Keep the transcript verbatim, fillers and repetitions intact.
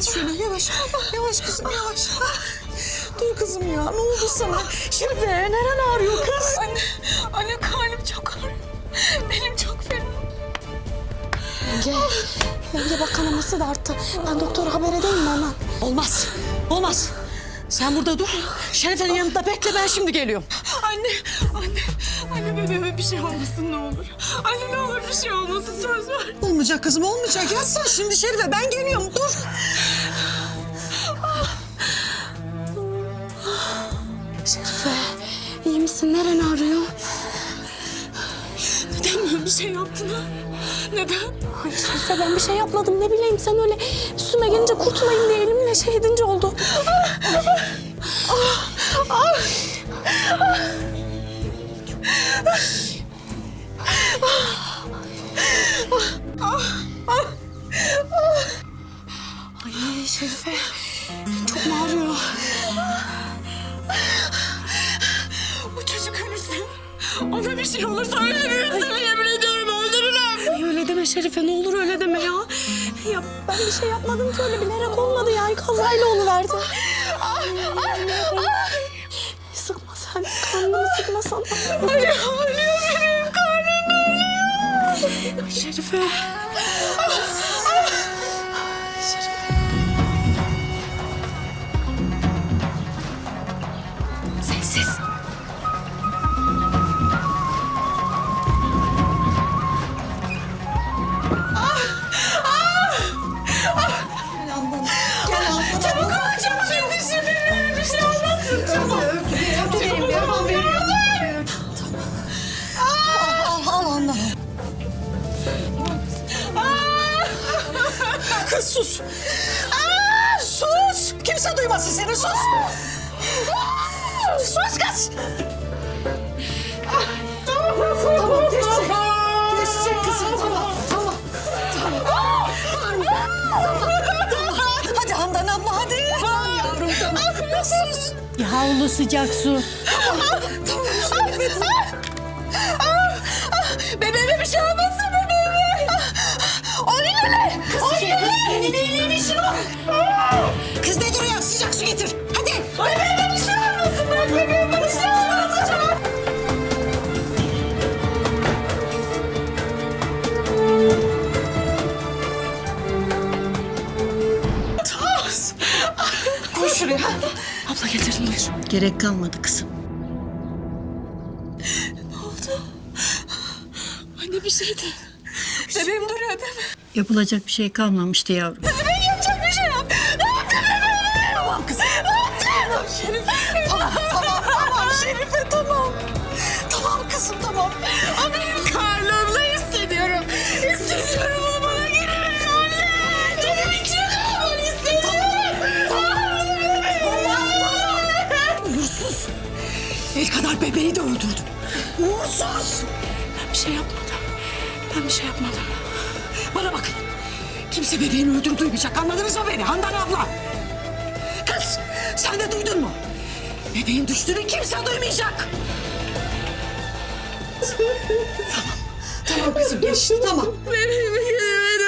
Yat şöyle yavaş. Yavaş kızım yavaş. Dur kızım ya, ne oldu sana? Şerife, neren ağrıyor kız? Anne, anne karnım çok ağrıyor. Benim çok fena. Yenge, yenge bak kanaması da arttı. Ben doktora haber edeyim mi hemen? Olmaz, olmaz. Sen burada dur. Şerife'nin yanında bekle, ben şimdi geliyorum. Anne, anne, anne bebeğime bir şey olmasın ne olur. Anne ne olur bir şey olmasın, söz ver. Olmayacak kızım, olmayacak. Yat sen şimdi Şerife, ben geliyorum. Dur. Şerife, iyi misin? Neren ağrıyor? Neden böyle bir şey yaptın ha? Neden? Ay Şerife ben bir şey yapmadım. Ne bileyim sen öyle üstüme gelince kurtulayım diye elimle şey edince oldu. Ay Şerife çok mu ağrıyor? Bu çocuk ölürse, ona bir şey olursa öldürürüm seni, yemin ediyorum öldürürüm. Ay öyle deme Şerife, ne olur öyle deme ya. Ya ben bir şey yapmadım ki, öyle bilerek olmadı yani, kazayla oluverdi. Sıkma sen, karnını sıkma sana. Ölüyor, ölüyor benim karnım ölüyor. Ay Şerife. Sessiz. Gel Handan, gel Handan. Çabuk ol, çabuk şimdi şimdi bir şey olmasın. Çabuk. Öptüreyim, bir hemen veriyorum. Al, al Handan. Kız sus. Aa, sus. Kimse duymasın seni, sus. Sus kız. Tamam, geçecek. Geçecek kızım, tamam, tamam. Tamam. Hadi Handan abla, hadi. Tamam yavrum, tamam. Sus. Havlu sıcak su. Tamam, Şerife. Bebeğime bir şey olmasın bebeğime. O ne öyle? O ne öyle? Senin iyiliğin işin var. Kız ne duruyor? Sıcak su getir. Hadi. Bebeğime bir şey olmasın. Ben bebeğime bir şey olmasın. Koy şuraya. Abla getirdim buyur. Gerek kalmadı kızım. Anne bir şey de. Bebeğim duruyor değil mi? Yapılacak bir şey kalmamıştı yavrum. Bebeğim yapacak bir şey yok. Ne yaptın bebeğime? Tamam kızım. Ne yaptın? Şerife. Tamam, tamam, tamam Şerife, tamam. Tamam kızım, tamam. O benim karnımda hissediyorum. Hissediyorum onu bana geri verin anne. Benim için onu hissediyorum. Tamam, tamam. Uğursuz. El kadar bebeği de öldürdün. Uğursuz. Ben bir şey yapmadım. Ben bir şey yapmadım. Bana bakın. Kimse bebeğini öldürüp duymayacak. Anladınız mı beni Handan abla? Kız, sen de duydun mu? Bebeğin düştüğünü kimse duymayacak. Tamam, tamam kızım geçti, tamam. Bebeğimi geri verin